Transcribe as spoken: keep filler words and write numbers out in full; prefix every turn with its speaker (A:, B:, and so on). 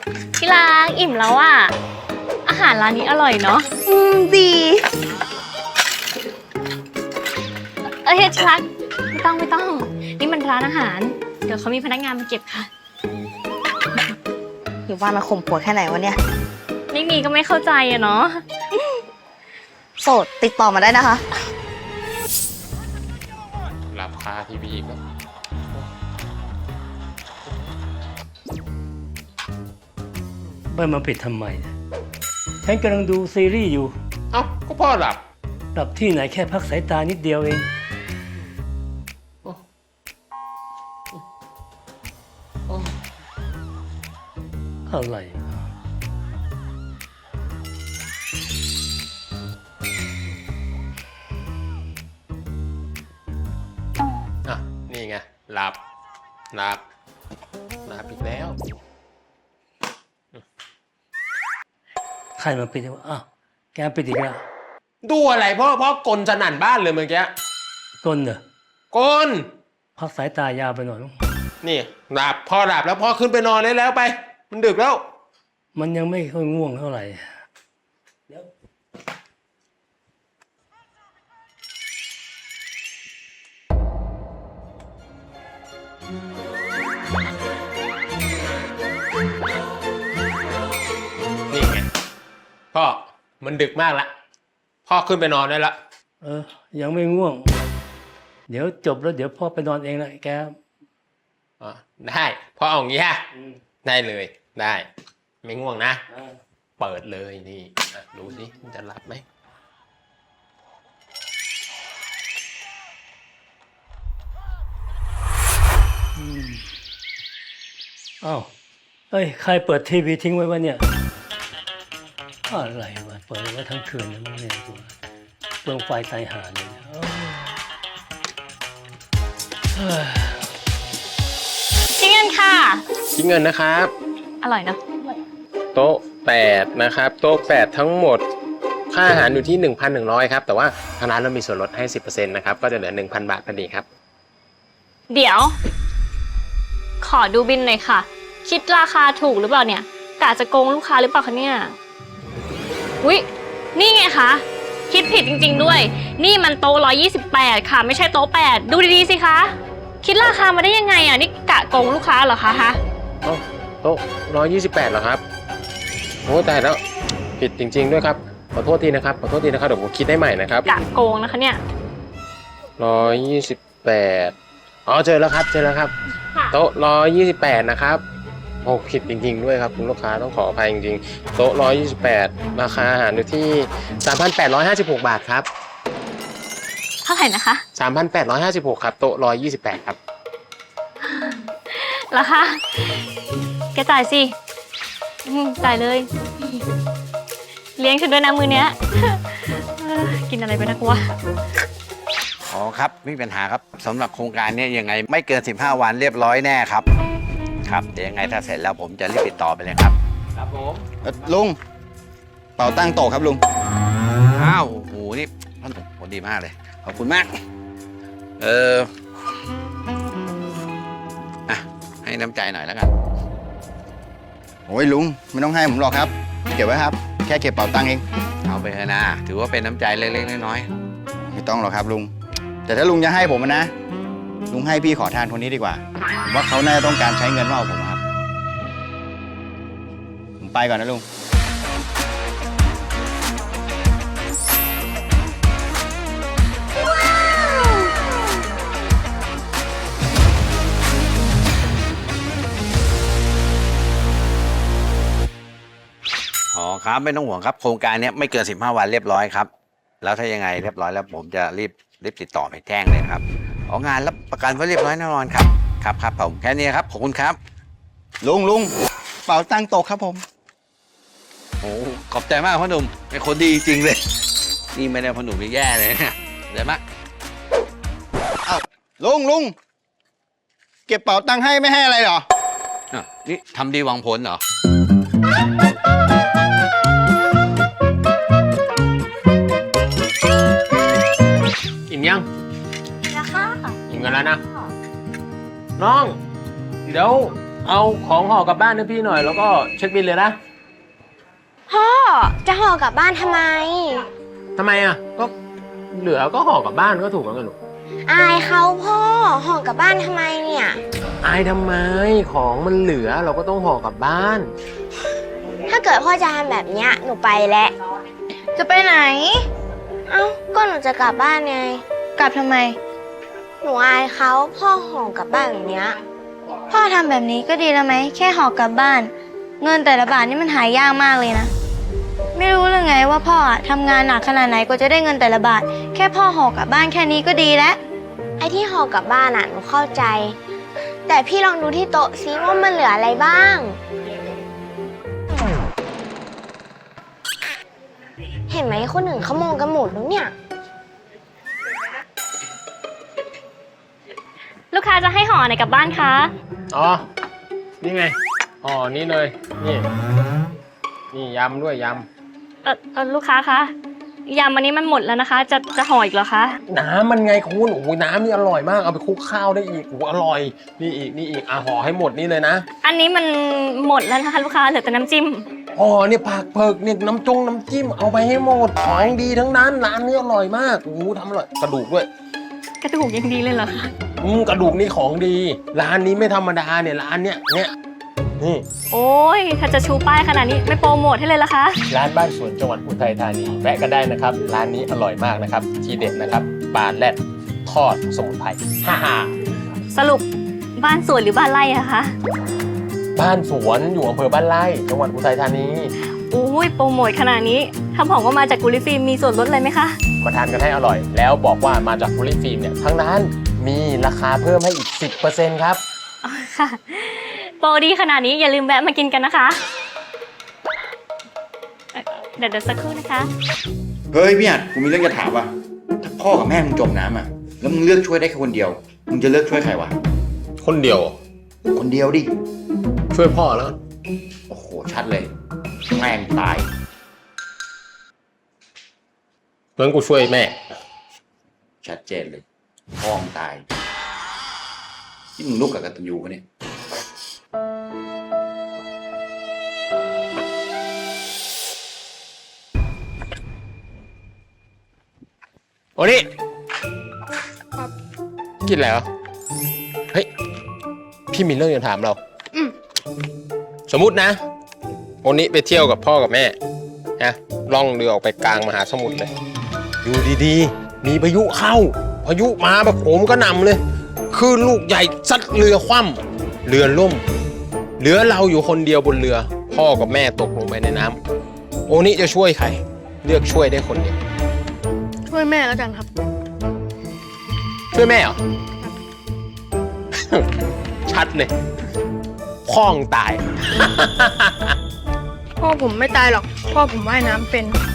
A: ที่รักอิ่มแล้วอ่ะอาหารร้านนี้อร่อยเนาะอืมดีเอ้ยที่รักไม่ต้องไม่ต้องนี่มันร้านอาหารเดี๋ยวเขามีพนักงานมาเก็บค่ะ
B: หรือว่ามันข่มผัวแค่ไหนวะเนี่ย
A: ไม่มีก็ไม่เข้าใจอะเนาะ
B: โสดติดต่อมาได้นะคะ
C: หลับคาทีวีอีกแล้ว
D: ไม่มาปิดทำไม ฉันกำลังดูซีรีส์อยู่
C: เอ้าก็พ่อหลับ
D: หลับที่ไหนแค่พักสายตานิดเดียวเอง
C: โอ้โอ้
D: อะไร
C: อ่ะนี่ไงหลับหลับหลับอีกแล้ว
D: ใครมาปิดวะอ้าวแกปิดอีกแล้ว
C: ดูอะไรพ่อพ่อกลสนั่นบ้านเลยเมื่อกี้
D: กลเหรอก
C: ล
D: พักสายตายาวไปหน่อยมั้ง
C: นี่หลับพ่อหลับแล้วพ่อขึ้นไปนอนได้แล้วไป มันดึกแล้ว
D: มันยังไม่ค่อยง่วงเท่าไหร่เดี๋ยว
C: นี่ไงพ่อมันดึกมากละพ่อขึ้นไปนอนได้ละ
D: เออ ยังไม่ง่วง เดี๋ยวจบแล้วเดี๋ยวพ่อไปนอนเองนะแก
C: อ๋อได้พ่อเอาอย่างงี้ฮะได้เลยได้ ไม่ง่วงนะ เปิดเลยนี่อ่ะดูสิมันจะหลับไหม
D: อ้าวเอ้ย ใครเปิดทีวีทิ้งไว้วะเนี่ย อะไรวะ เปิดไว้ทั้งคืนนะมึงเนี่ยกูเปลืองไฟตายหาเลยเนี่ยเอ้ยเฮ้ย
A: ที่เงินค่ะ
C: คิดเงินนะครับ
A: อร่อยเนาะ
C: โต๊ะแปดนะครับโต๊ะแปดทั้งหมดค่าอาหารอยู่ที่ หนึ่งพันหนึ่งร้อย ครับแต่ว่าทางร้านเรามีส่วนลดให้ สิบเปอร์เซ็นต์ นะครับก็จะเหลือ หนึ่งพัน บาทพอดีครับ
A: เดี๋ยว ขอดูบินหน่อยค่ะ คิดราคาถูกหรือเปล่าเนี่ยกะจะโกงลูกค้าหรือเปล่าคะเนี่ยอุ๊ยนี่ไงคะคิดผิดจริงๆด้วย นี่มันโต๊ะหนึ่งร้อยยี่สิบแปดค่ะไม่ใช่โต๊ะแปดดูดีๆสิคะคิดราคามาได้ยังไงอ่ะนี่กะโกงลูกค้าเหรอคะฮะ
C: โต๊ะโต๊ะหนึ่งร้อยยี่สิบแปดเหรอครับโอ้ตายแล้วผิดจริงๆด้วยครับขอโทษทีนะครับขอโทษทีนะครับเดี๋ยวผมคิดให้ใหม่นะครับ
A: กะโกงนะคะเนี่ย
C: หนึ่งร้อยยี่สิบแปดอ๋อเจอแล้วครับเจอแล้วครับโต๊ะหนึ่งร้อยยี่สิบแปดนะครับโอ้ผิดจริงๆด้วยครับคุณลูกค้าต้องขออภัยจริงๆโต๊ะหนึ่งร้อยยี่สิบแปดราคาอาหารอยู่ที่ สามพันแปดร้อยห้าสิบหก บาทครับ
A: เท่าไหร่นะคะ
C: สามพันแปดร้อยห้าสิบหก ครับโต๊ะหนึ่งร้อยยี่สิบแปดครับ
A: ราคาแกจ่ายสิอืมจ่ายเลย เลี้ยงฉันด้วยนะมือเนี้ย เออกินอะไรไปนักวะ
E: อ๋อครับไม่มีปัญหาครับสำหรับโครงการนี้ยังไงไม่เกินสิบห้าวันเรียบร้อยแน่ครับครับเดี๋ยวยังไงถ้าเสร็จแล้วผมจะรีบติดต่อไปเลยครับ
C: ครับผม
F: เอ่อลุงเป่าตั้งโต๊ะครับลุง
E: อ้าวโอ้โหนี่ท่านผลดีมากเลยขอบคุณมากเอออ่ะให้น้ำใจหน่อยแล้วกัน
F: โอ้ยลุงไม่ต้องให้ผมหรอกครับ เก็บไว้ครับ แค่เก็บเป่าตังค์เอง
E: เอาไปเถอะนะถือว่าเป็นน้ำใจเล็กๆน้อย
F: ไม่ต้องหรอกครับลุง แต่ถ้าลุงจะให้ผมอะนะ ลุงให้พี่ขอทานคนนี้ดีกว่า ผมว่าเขาน่าจะต้องการใช้เงินมากกว่าผมครับ ผมไปก่อนนะลุง
E: ๆอ๋อครับไม่ต้องห่วงครับโครงการนี้ไม่เกินสิบห้าวันเรียบร้อยครับแล้วถ้ายังไงเรียบร้อยแล้วผมจะรีบรีบติดต่อไปแจ้งเลยครับอ๋องานรับประกันไว้เรียบร้อยแน่นอนครับครับครับผมแค่นี้ครับขอบคุณครับ
F: ลุงลุงเป่าตั้งโต๊ะครับผม
E: โอ้ขอบใจมากพ่อหนุ่มเป็นคนดีจริงเลย นี่ไม่ได้พ่อหนุ่มนี่แย่เลยเนี่ยเดี๋ยวมา
F: เอ้าลุงลุงเก็บเป่าตังค์ให้ไม่ให้อะไรเหรอ
E: อ่ะนี่ทำดีหวังผลเหรอ
C: อิ่มยัง
A: นะคะ
C: อิ่มกันแล้วนะน้องเดี๋ยวเอาของห่อกลับบ้านให้พี่หน่อยแล้วก็เช็คบิลเลยนะ
G: พ่อจะห่อกลับบ้านทำไม
C: ทำไมอ่ะก็เหลือก็ห่อกลับบ้านก็ถูกแล้วกันลูก
G: อายเขาพ่อห่อกลับบ้านทำไมเนี่ย
C: อายทำไมของมันเหลือเราก็ต้องห่อกลับบ้าน
G: ถ้าเกิดพ่อจะทำแบบเนี้ยหนูไปแล้ว
B: จะไปไหน
G: เอ้าก็หนูจะกลับบ้านไง
B: กลับทำไม
G: หนูอายเขาพ่อห่อกลับบ้านแบบเนี้ย
B: พ่อทำแบบนี้ก็ดีแล้วไหม แค่ห่อกลับบ้าน เงินแต่ละบาทนี่มันหายากมากเลยนะ ไม่รู้เรื่องไงว่าพ่ออะทำงานหนักขนาดไหนกว่าจะได้เงินแต่ละบาท แค่พ่อห่อกลับบ้านแค่นี้ก็ดีแล้ว
G: ไอ้ที่ห่อกลับบ้านอ่ะหนูเข้าใจ แต่พี่ลองดูที่โต๊ะซิว่ามันเหลืออะไรบ้าง เห็นไหมคนอื่นเขามองกันหมดแล้วเนี่ย
A: ลูกค้าจะให้ห่อไหนกลับบ้านคะ
C: อ๋อ นี่ไง อ๋อ นี่เลย นี่ นี่ยำด้วยย
A: เออเออลูกค้าคะยำอันนี้มันหมดแล้วนะคะ จะจะห่ออีกเหรอคะ
C: ำน้ำมันไงคุณโอ้ยน้ำนี่อร่อยมาก เอาไปคลุกข้าวได้อีกโอ้อร่อย นี่อีก นี่อีก อ่ะห่อให้หมดนี่เลยนะ
A: อันนี้มันหมดแล้วนะคะลูกค้าเหลือแต่น้ำจิ้ม
C: อ๋อเนี่ยผักเผือกเนี่ยน้ำจงน้ำจิ้มเอาไปให้หมด ของดีทั้งนั้น ร้านนี้อร่อยมากโอ้โหทำอร่อย กระดูกด้วย
A: กระดูกยังดีเลยเหรอคะ
C: อืมกระดูกนี่ของดี ร้านนี้ไม่ธรรมดาเนี่ย ร้านเนี้ย เนี่ย นี่
A: โอ้ยถ้าจะชูป้ายขนาดนี้ไม่โปรโมทให้เลยละคะ
C: ร้านบ้านสวนจังหวัดอุทัยธานีแวะกันได้นะครับ ร้านนี้อร่อยมากนะครับ ทีเด็ดนะครับปลาแรดทอดสมุนไพรฮ่าฮ่า
A: สรุปบ้านสวนหรือบ้านไร่อะคะ
C: บ้านสวนอยู่อำเภอบ้านไร่จังหวัดอุทัยธานี
A: อุ้ยโปรโมทขนาดนี้ถ้าบอกว่ามาจากกุลิฟิล์มมีส่วนลดเลยไหมคะ
C: มาทานกันให้อร่อย แล้วบอกว่ามาจากบุรีฟิล์มเนี่ยทั้งร้านมีราคาเพิ่มให้อีก สิบเปอร์เซ็นต์ ครับ
A: อ๋อค่ะ โปรดีขนาดนี้อย่าลืมแวะมากินกันนะคะเอ่อเดี๋ยวเดี๋ยวสักครู่นะคะ
F: เฮ้ยพี่อัดกูมีเรื่องจะถามว่ะถ้าพ่อกับแม่มึงจมน้ำอ่ะ แล้วมึงเลือกช่วยได้แค่คนเดียว มึงจะเลือกช่วยใครวะ
C: คนเดียว
F: คนเดียวดิ
C: ช่วยพ่อแล้ว
F: โอ้โห ชัดเลย แม่งตาย
C: เพื่อนกูช่วยแม่
F: ชัดเจนเลย พ่อมึงตาย ที่มึงลูกกับกตัญญูปะเนี่ย
C: โอ้นี่กินอะไรวะเฮ้ย พี่มีเรื่องจะถามเรา สมมุตินะวันนี้ไปเที่ยวกับพ่อกับแม่นะล่องเรือออกไปกลางมหาสมุทรเลย อยู่ดีๆ มีพายุเข้า พายุมาแบบโหมกระหน่ำเลยคลื่นลูกใหญ่ซัดเรือคว่ำเรือล่ม เหลือเราอยู่คนเดียวบนเรือ พ่อกับแม่ตกลงไปในน้ำโอนี่จะช่วยใคร เลือกช่วยได้คนเดียว
B: ช่วยแม่แล้วกันครับ
C: ช่วยแม่เหรอ ชัดเลยพ่องตาย
H: พ่อผมไม่ตายหรอก พ่อผมว่ายน้ำเป็น